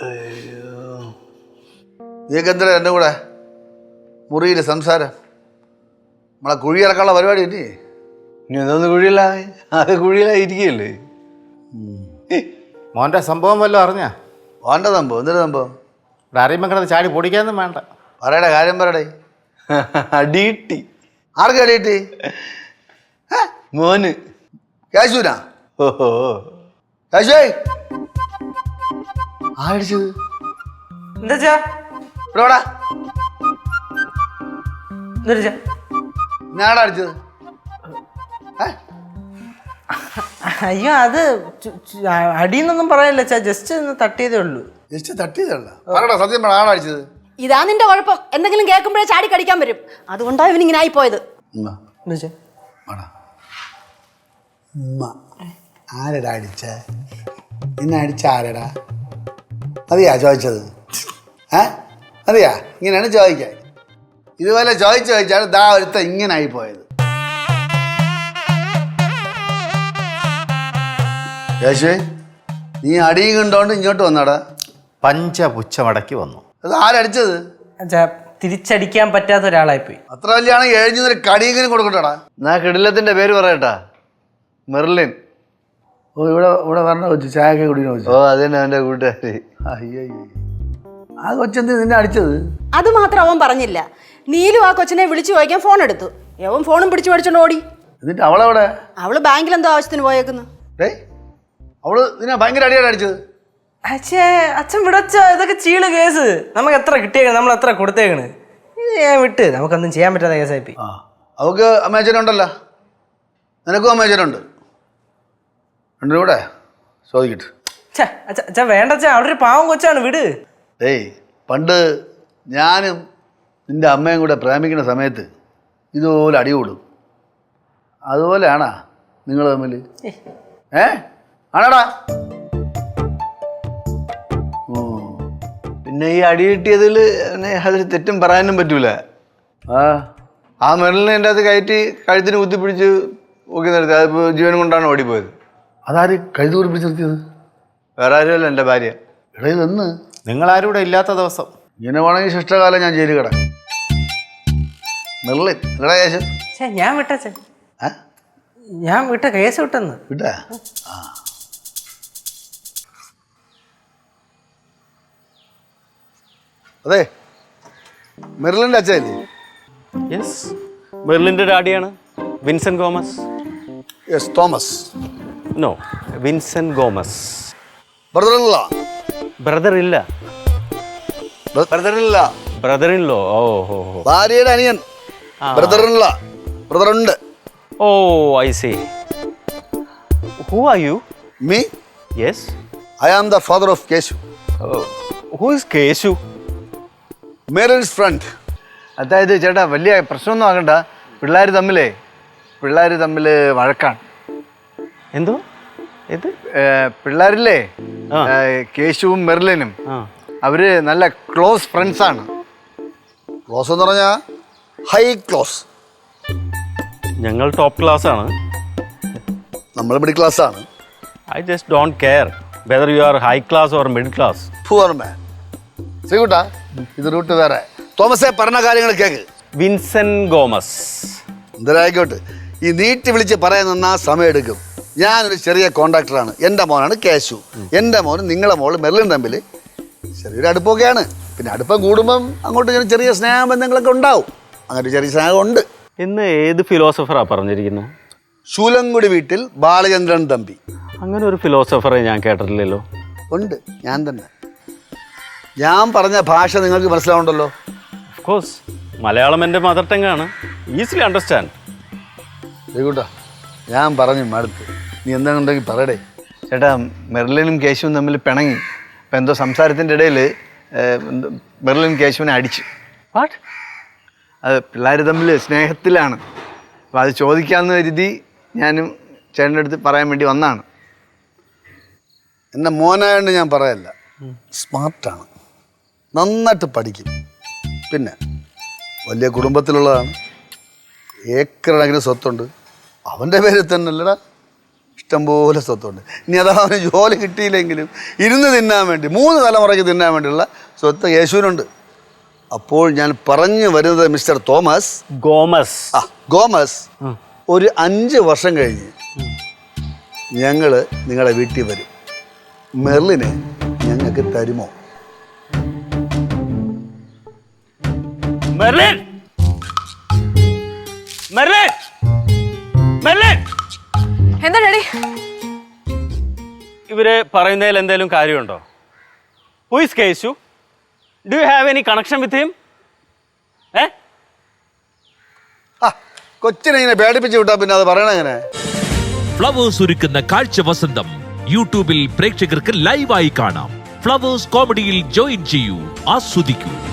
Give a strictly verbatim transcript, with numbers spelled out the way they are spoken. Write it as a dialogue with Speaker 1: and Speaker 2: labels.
Speaker 1: നീക്ക് എന്താ എൻ്റെ കൂടെ മുറിയിൽ സംസാരം നമ്മളെ കുഴിയിറക്കാനുള്ള പരിപാടി ഇല്ലേ?
Speaker 2: ഇനി എന്തോന്ന് കുഴിയില്ല, അത് കുഴിയിലായിരിക്കുകയല്ലേ. മോൻ്റെ സംഭവം വല്ലതും അറിഞ്ഞാ?
Speaker 1: ഓൻ്റെ സംഭവം എന്തൊരു സംഭവം?
Speaker 2: ഇവിടെ അറിയുമ്പോൾ കിടന്ന് ചാടി പൊടിക്കാനൊന്നും വേണ്ട.
Speaker 1: പറയടേ, കാര്യം പറയടേ.
Speaker 2: അടിയിട്ടി.
Speaker 1: ആർക്ക് അടിയിട്ടി?
Speaker 2: മോന്.
Speaker 1: കേശുനാ?
Speaker 2: ഓഹോ,
Speaker 1: കേശു ആടിച്ചത്
Speaker 3: എന്താ
Speaker 1: ഇവിടെടാ
Speaker 3: എന്താ
Speaker 1: ഞാടാ അടിച്ചത്?
Speaker 3: അയ്യോ, അത് അടിയെന്നൊന്നും പറയല്ല ചാ, ജസ്റ്റ് ഒന്ന് തട്ടിയതേ ഉള്ളൂ.
Speaker 1: ജസ്റ്റ് തട്ടിയതല്ല. പറയടാ, സത്യം പറ, ആടാ അടിച്ചത്?
Speaker 4: ഇതാ നിന്റെ കുഴപ്പം. എന്തെങ്കിലും കേൾക്കുമ്പോഴേ ചാടി കടിക്കാൻ വരും. അതുകൊണ്ടാണ് ഇവനിങ്ങനെ ആയിപ്പോയത്.
Speaker 1: ആരടാ അടിച്ച? എന്നെ അടിച്ച ആരടാ? അതെയാ ചോദിച്ചത്? ഏ അതെയാ? ഇങ്ങനെയാണ് ചോദിക്കാൻ. ഇതുപോലെ ചോദിച്ചു ചോദിച്ചാണ് ദാ ഒരുത്ത ഇങ്ങനെ ആയിപ്പോയത്. യേശുവേ, നീ അടിയും കണ്ടോണ്ട് ഇങ്ങോട്ട് വന്നാടാ?
Speaker 2: പഞ്ചപുച്ഛമടക്കി വന്നു.
Speaker 1: അത് ആരടിച്ചത്?
Speaker 3: തിരിച്ചടിക്കാൻ പറ്റാത്ത ഒരാളായിപ്പോയി.
Speaker 1: അത്ര വലിയാണെങ്കിൽ എഴുന്നൊരു കടിയെങ്കിലും കൊടുക്കട്ടാടാ.
Speaker 2: എന്നാ കിടിലത്തിന്റെ പേര് പറയട്ടാ. മെർലിൻ.
Speaker 1: ഓ, ഇവിടെ ഇവിടെ വരണ വെച്ചു ചായക്കെ കുടിക്കണ വെച്ചു.
Speaker 2: ഓ, അതന്നെ അവന്റെ കൂട്ടുകാരി.
Speaker 1: അയ്യോ, ആ കൊച്ചെന്ത് നിന്നെ അടിച്ചത്?
Speaker 4: അത് മാത്രം അവൻ പറഞ്ഞില്ല. നീലു ആ കൊച്ചിനെ വിളിച്ചു ചോദിക്കാൻ ഫോൺ എടുത്തു. അവൻ ഫോണും പിടിച്ചു മേടിച്ചോണ്ട് ഓടി.
Speaker 1: എന്നിട്ട് അവളെവിടെ?
Speaker 4: അവള് ബാങ്കിൽ എന്തോ ആവശ്യത്തിന് പോയേക്കുന്നു.
Speaker 1: ഏ അവള് നിന്നെ ഭയങ്കര അടിയാണ് അടിച്ചത്.
Speaker 3: അച്ഛേ, അച്ഛൻ വിടച്ച ഇതൊക്കെ ചീള് കേസ്. നമുക്ക് എത്ര കിട്ടിയേക്കണ്, നമ്മൾ എത്ര കൊടുത്തേക്കണ്. ഇത് ഞാൻ വിട്ട് നമുക്കൊന്നും ചെയ്യാൻ പറ്റാത്ത കേസായിപ്പോയി.
Speaker 1: ആ, അവൾക്ക് അമ്മേച്ചനുണ്ടല്ലോ, നിനക്കും അമ്മേച്ചനുണ്ട്. രണ്ടും കൂടെ ചോദിക്കട്ടെ.
Speaker 3: ഛേ അച്ഛ അച്ഛാ വേണ്ട അച്ഛാ, അവിടെ ഒരു പാവം കൊച്ചാണ്, വിട്.
Speaker 1: ഏയ്, പണ്ട് ഞാനും നിൻ്റെ അമ്മയും കൂടെ പ്രേമിക്കുന്ന സമയത്ത് ഇതുപോലെ അടി കൂടും. അതുപോലെയാണാ നിങ്ങൾ തമ്മിൽ? ഏ ആണാടാ?
Speaker 2: പിന്നെ ഈ അടി കിട്ടിയതിൽ അതിൽ തെറ്റും പറയാനും പറ്റൂല.
Speaker 1: ആ
Speaker 2: ആ മെർലിനെ എൻ്റെ അകത്ത് കയറ്റി കഴുത്തിന് കുത്തിപ്പിടിച്ച് ഊക്കി നിർത്തി. അതിപ്പോൾ ജീവൻ കൊണ്ടാണ് ഓടിപ്പോയത്.
Speaker 1: അതാര് കഴുതി കുറിപ്പിച്ച് നിർത്തിയത്?
Speaker 2: വേറെ ആരുമല്ല, എൻ്റെ ഭാര്യ.
Speaker 1: എടാ, ഇതെന്ന്
Speaker 2: നിങ്ങളാരും ഇവിടെ ഇല്ലാത്ത ദിവസം.
Speaker 1: ഇങ്ങനെ വേണമെങ്കിൽ ശിഷ്ടകാലം ഞാൻ ജയിലിൽ കിടക്കാം. മെർലിൻ എടാ കേശു?
Speaker 3: ഛേ ഞാൻ വിട്ടച്ഛ,
Speaker 1: ഏ
Speaker 3: ഞാൻ വിട്ട കേസ് വിട്ടെന്ന്.
Speaker 1: വിട്ടാ? ആ, അതെ, മെർലിൻ്റെ അച്ഛല്ലേ?
Speaker 2: യെസ്, മെർലിൻ്റെ ഡാഡിയാണ് Vincent Gomes.
Speaker 1: Yes, Thomas.
Speaker 2: No, Vincent Gomes.
Speaker 1: ബ്രദറിനുള്ള
Speaker 2: ബ്രദർ ഇല്ല.
Speaker 1: ബ്രദറിനുള്ള
Speaker 2: brother in law. Oh ho ho,
Speaker 1: ഭാര്യയുടെ അനിയൻ. ബ്രദറിനുള്ള ബ്രദറുണ്ട്.
Speaker 2: Oh I see. Who are you?
Speaker 1: Me?
Speaker 2: Yes,
Speaker 1: I am the father of Keshu.
Speaker 2: Who is Keshu?
Speaker 1: Merin's friend.
Speaker 2: അതായത് ചേട്ടാ, വലിയ പ്രശ്നമൊന്നും ആകണ്ട. പിള്ളേർ തമ്മിലേ പിള്ളേർ തമ്മിൽ വഴക്കാണ്. എന്തോ ഇത്? പിള്ളേരില്ലേ, കേശുവും മെർലിനും അവര് നല്ല ക്ലോസ് ഫ്രണ്ട്സാണ്.
Speaker 1: ക്ലോസ് എന്ന് പറഞ്ഞാൽ ഹൈ ക്ലോസ്.
Speaker 2: ഞങ്ങൾ ടോപ്പ് ക്ലാസ് ആണ്.
Speaker 1: നമ്മൾ മിഡിൽ ക്ലാസ് ആണ്.
Speaker 2: I just don't care whether you are high class or middle class.
Speaker 1: Poor man. ശ്രീകുട്ടാ, ഇത് റൂട്ട് വേറെ. തോമസേ, പറഞ്ഞ കാര്യങ്ങൾ കേക്ക്.
Speaker 2: Vincent Gomez.
Speaker 1: എന്തരായിക്കോട്ടെ, ഈ നീട്ടി വിളിച്ച് പറയാൻ നിന്നാ സമയം എടുക്കും. ഞാനൊരു ചെറിയ കോൺട്രാക്ടറാണ്. എൻ്റെ മോനാണ് കേശു. എൻ്റെ മോനും നിങ്ങളെ മോള് മെർലിൻ തമ്മിൽ ചെറിയൊരു അടുപ്പമൊക്കെയാണ്. പിന്നെ അടുപ്പം കൂടുമ്പം അങ്ങോട്ട് ഇങ്ങനെ ചെറിയ സ്നേഹബന്ധങ്ങളൊക്കെ ഉണ്ടാവും. അങ്ങനെ ചെറിയ സ്നേഹമുണ്ട്.
Speaker 2: ഇന്ന് ഏത് ഫിലോസഫറാ പറഞ്ഞിരിക്കുന്നത്?
Speaker 1: ശൂലങ്കുടി വീട്ടിൽ ബാലചന്ദ്രൻ തമ്പി.
Speaker 2: അങ്ങനെ ഒരു ഫിലോസഫറെ ഞാൻ കേട്ടിട്ടില്ലല്ലോ.
Speaker 1: ഉണ്ട്, ഞാൻ തന്നെ. ഞാൻ പറഞ്ഞ ഭാഷ നിങ്ങൾക്ക് മനസ്സിലാവുണ്ടല്ലോ?
Speaker 2: ഓഫ് കോഴ്സ്, മലയാളം എൻ്റെ മദർ ടങ്ങാണ്. Easily understand.
Speaker 1: ശ്രീകുട്ടാ, ഞാൻ പറഞ്ഞു മടുത്ത്. നീ എന്താണെന്നുണ്ടെങ്കിൽ പറയടേ.
Speaker 2: ചേട്ടാ, മെർലിനും കേശുവും തമ്മിൽ പിണങ്ങി. അപ്പം എന്തോ സംസാരത്തിൻ്റെ ഇടയിൽ മെർലിൻ കേശുവിനെ അടിച്ചു. വാട്ട്? അത് പിള്ളേർ തമ്മിൽ സ്നേഹത്തിലാണ്. അപ്പം അത് ചോദിക്കാമെന്ന് കരുതി ഞാനും ചേട്ടൻ്റെ അടുത്ത് പറയാൻ വേണ്ടി വന്നതാണ്.
Speaker 1: എൻ്റെ മോനായതുകൊണ്ട് ഞാൻ പറയല്ല. സ്മാർട്ടാണ്, നന്നായിട്ട് പഠിക്കും. പിന്നെ വലിയ കുടുംബത്തിലുള്ളതാണ്. ഏക്കർ കണക്കിന് സ്വത്തുണ്ട്. അവൻ്റെ പേരിൽ തന്നെ അല്ലടാ, ഇഷ്ടം ഇഷ്ടംപോലെ സ്വത്തുണ്ട്. ഇനി അതാ അവന് ജോലി കിട്ടിയില്ലെങ്കിലും ഇരുന്ന് തിന്നാൻ വേണ്ടി മൂന്ന് തലമുറയ്ക്ക് തിന്നാൻ വേണ്ടിയുള്ള സ്വത്ത് യേശുവിനുണ്ട്. അപ്പോൾ ഞാൻ പറഞ്ഞു വരുന്നത് മിസ്റ്റർ തോമസ്
Speaker 5: ഗോമസ്
Speaker 1: ആ ഗോമസ്, ഒരു അഞ്ച് വർഷം കഴിഞ്ഞ് ഞങ്ങൾ നിങ്ങളുടെ വീട്ടിൽ വരും. മെർലിനെ ഞങ്ങൾക്ക് തരുമോ?
Speaker 5: മെർലിൻ മെർലിൻ മെർലിൻ
Speaker 6: എന്താ ഡാഡി?
Speaker 5: ഇവര് പറയുന്നതിൽ എന്തെങ്കിലും കാര്യമുണ്ടോ? Who is Keshu? Do you have any connection with him? ഏ
Speaker 1: ആ കൊച്ചിനെ ഇങ്ങനെ പേടിപ്പിച്ച് വിട്ടാ പിന്നെ അത് പറയണ എങ്ങനെ?
Speaker 7: ഫ്ലവേഴ്സ് ഒരുക്കുന്ന കാഴ്ച വസന്തം യൂട്യൂബിൽ പ്രേക്ഷകർക്ക് ലൈവായി കാണാം. ഫ്ലവേഴ്സ് കോമഡിയിൽ ജോയിൻ ചെയ്യൂ, ആസ്വദിക്കൂ.